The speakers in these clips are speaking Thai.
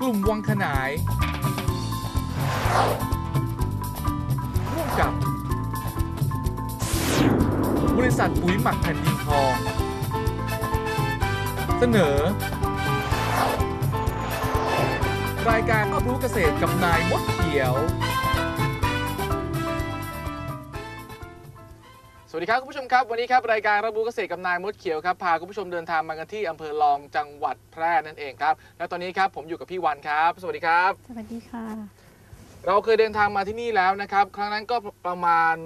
ลุ่มวังขนายร่วมกับบริษัทปุ๋ยหมักแผ่นดินทองเสนอรายการรอบรู้เกษตรกับนายมดเขียวสวัสดีครับคุณผู้ชมครับวันนี้ครับรายการรับรู้เกษตรกับนายมดเขียวครับพาคุณผู้ชมเดินทางมากันที่อำเภอรองจังหวัดแพร่นั่นเองครับและตอนนี้ครับผมอยู่กับพี่วันครับสวัสดีครับสวัสดีค่ะเราเคยเดินทางมาที่นี่แล้วนะครับครั้งนั้นก็ประมาณ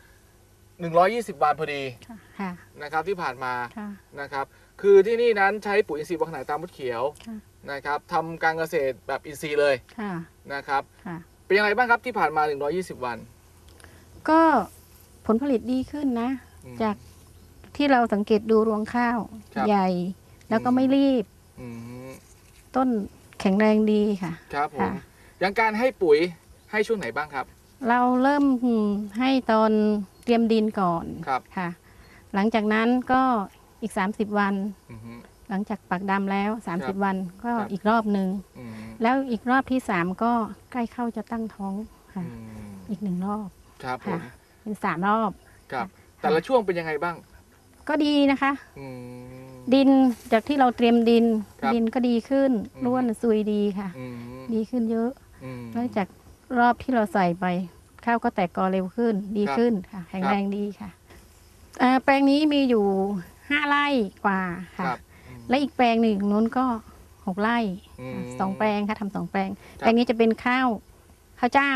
120 วันพอดีนะครับที่ผ่านมานะครับคือที่นี่นั้นใช้ปุ๋ยอินทรีย์วังขนายตามมดเขียวนะครับทำการเกษตรแบบอินทรีย์เลยนะครับเป็นยังไงบ้างครับที่ผ่านมา120 วันก็ผลผลิตดีขึ้นนะจากที่เราสังเกตดูรวงข้าวใหญ่แล้วก็ไม่รีบต้นแข็งแรงดีค่ะครับผมอย่างการให้ปุ๋ยให้ช่วงไหนบ้างครับเราเริ่มให้ตอนเตรียมดินก่อนค่ะหลังจากนั้นก็อีก30 วันหลังจากปักดำแล้ว30 วันก็อีกรอบหนึ่งแล้วอีกรอบที่3ก็ใกล้เข้าจะตั้งท้องค่ะอีก1 รอบครับผมเป็น3 รอบครับแต่ละช่วงเป็นยังไงบ้างก็ดีนะคะดินจากที่เราเตรียมดินก็ดีขึ้นร่วนซุยดีค่ะดีขึ้นเยอะแล้วจากรอบที่เราใส่ไปข้าวก็แตกกอเร็วขึ้นดีขึ้นค่ะแข็งแรงดีค่ะแปลงนี้มีอยู่5 ไร่กว่าค่ะและอีกแปลงหนึ่งนู้นก็6 ไร่2 แปลงค่ะทำ2 แปลงแปลงนี้จะเป็นข้าวเจ้า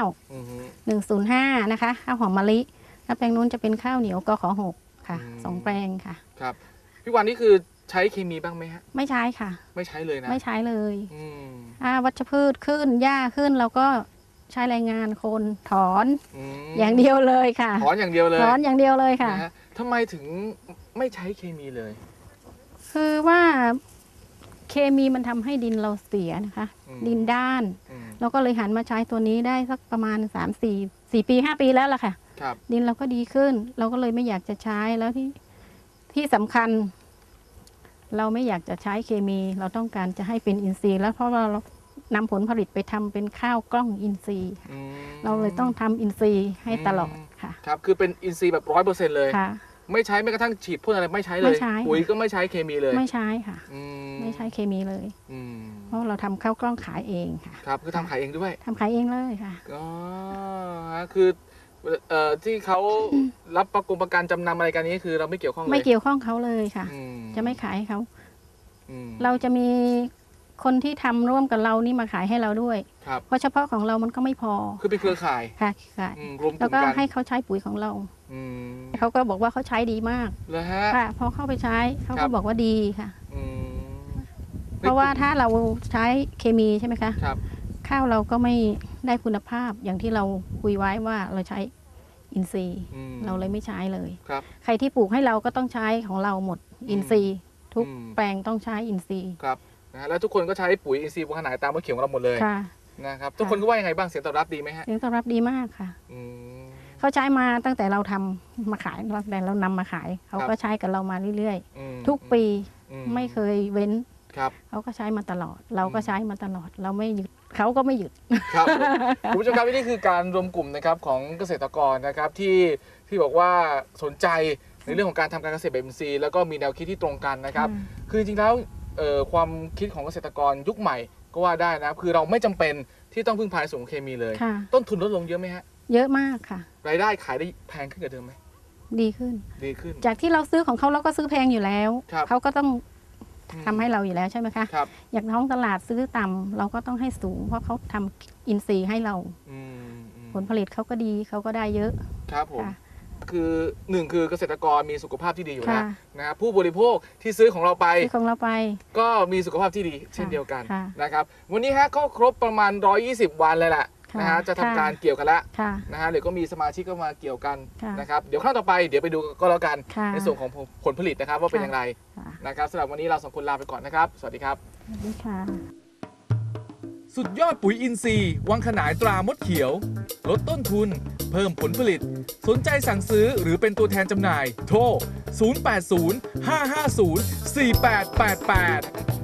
105นะคะข้าวหอมมะลิแล้วแปลงนู้นจะเป็นข้าวเหนียวกข6ค่ะ2 แปลงค่ะครับพี่วันนี่คือใช้เคมีบ้างไหมฮะไม่ใช้ค่ะไม่ใช้เลยนะไม่ใช้เลยวัชพืชขึ้นหญ้าขึ้นเราก็ใช้แรงงานคนถอนอย่างเดียวเลยค่ะถอนอย่างเดียวเลยถอนอย่างเดียวเลยค่ะทำไมถึงไม่ใช้เคมีเลยคือว่าเคมีมันทำให้ดินเราเสียนะคะดินด้านเราก็เลยหันมาใช้ตัวนี้ได้สักประมาณ4 ปี 5 ปีแล้วล่ะค่ะดินเราก็ดีขึ้นเราก็เลยไม่อยากจะใช้แล้วที่สำคัญเราไม่อยากจะใช้เคมีเราต้องการจะให้เป็นอินทรีย์แล้วเพราะว่าเรานำผลผลิตไปทำเป็นข้าวกล้องอินทรีย์เราเลยต้องทำอินทรีย์ให้ตลอดค่ะครับคือเป็นอินทรีย์แบบ100%เลยไม่ใช้แม้กระทั่งฉีดพ่นอะไรไม่ใช้เลยปุ๋ยก็ไม่ใช้เคมีเลยไม่ใช้ค่ะไม่ใช้เคมีเลยเพราะเราทำข้าวกล้องขายเองค่ะครับคือทำขายเองด้วยทำขายเองเลยค่ะอ๋อคือที่เขารับประกันจำนำอะไรกันนี้คือเราไม่เกี่ยวข้องเลยไม่เกี่ยวข้องเขาเลยค่ะจะไม่ขายให้เขาเราจะมีคนที่ทำร่วมกับเรานี่มาขายให้เราด้วยเพราะเฉพาะของเรามันก็ไม่พอคือเป็นเครือข่ายค่ะค่ะแล้วก็ให้เขาใช้ปุ๋ยของเราเขาก็บอกว่าเขาใช้ดีมากเลยฮะค่ะพอเข้าไปใช้เขาก็บอกว่าดีค่ะเพราะว่าถ้าเราใช้เคมีใช่ไหมคะข้าวเราก็ไม่ได้คุณภาพอย่างที่เราคุยไว้ว่าเราใช้อินทรีย์เราเลยไม่ใช้เลยใครที่ปลูกให้เราก็ต้องใช้ของเราหมดอินทรีย์ทุกแปลงต้องใช้อินทรีย์ครับนะแล้วทุกคนก็ใช้ปุ๋ยอินทรีย์วังขนายตามมดเขียวของเราหมดเลยนะครับทุกคนก็ว่ายังไงบ้างเสียงตอบรับดีไหมฮะเสียงตอบรับดีมากค่ะเขาใช้มาตั้งแต่เราทำมาขายตั้งแต่เรานำมาขายเขาก็ใช้กับเรามาเรื่อยๆทุกปีไม่เคยเว้นเขาก็ใช้มาตลอดเราก็ใช้มาตลอดเราไม่หยุดเขาก็ไม่หยุดครับคุณผู้ชมครับนี่คือการรวมกลุ่มนะครับของเกษตรกรนะครับที่บอกว่าสนใจในเรื่องของการทำการเกษตรแบบอินทรีย์แล้วก็มีแนวคิดที่ตรงกันนะครับคือจริงๆแล้วความคิดของเกษตรกรยุคใหม่ก็ว่าได้นะคือเราไม่จำเป็นที่ต้องพึ่งพาสูงเคมีเลยต้นทุนลดลงเยอะไหมฮะเยอะมากค่ะรายได้ขายได้แพงขึ้นกว่าเดิมไหมดีขึ้นจากที่เราซื้อของเขาเราก็ซื้อแพงอยู่แล้วเขาก็ต้องทำให้เราอยู่แล้วใช่ไหมคะอย่างท้องตลาดซื้อต่ำเราก็ต้องให้สูงเพราะเขาทำอินทรีย์ให้เราผลผลิตเขาก็ดีเขาก็ได้เยอะครับผมคือ1คือเกษตรกรมีสุขภาพที่ดีอยู่แล้วนะครับผู้บริโภคที่ซื้อของเราไปก็มีสุขภาพที่ดีเช่นเดียวกันนะครับวันนี้ฮะก็ครบประมาณ120 วันเลยแหละนะฮะจะทำการเกี่ยวกันแล้วนะฮะเดี๋ยวก็มีสมาชิกก็มาเกี่ยวกันนะครับเดี๋ยวครั้งต่อไปเดี๋ยวไปดูก็แล้วกันในส่วนของผลผลิตนะครับว่าเป็นอย่างไรนะครับสำหรับวันนี้เรา2 คนลาไปก่อนนะครับสวัสดีครับสวัสดีค่ะสุดยอดปุ๋ยอินทรีย์วังขนายตรามดเขียวลดต้นทุนเพิ่มผลผลิตสนใจสั่งซื้อหรือเป็นตัวแทนจำหน่ายโทร 080 550 4888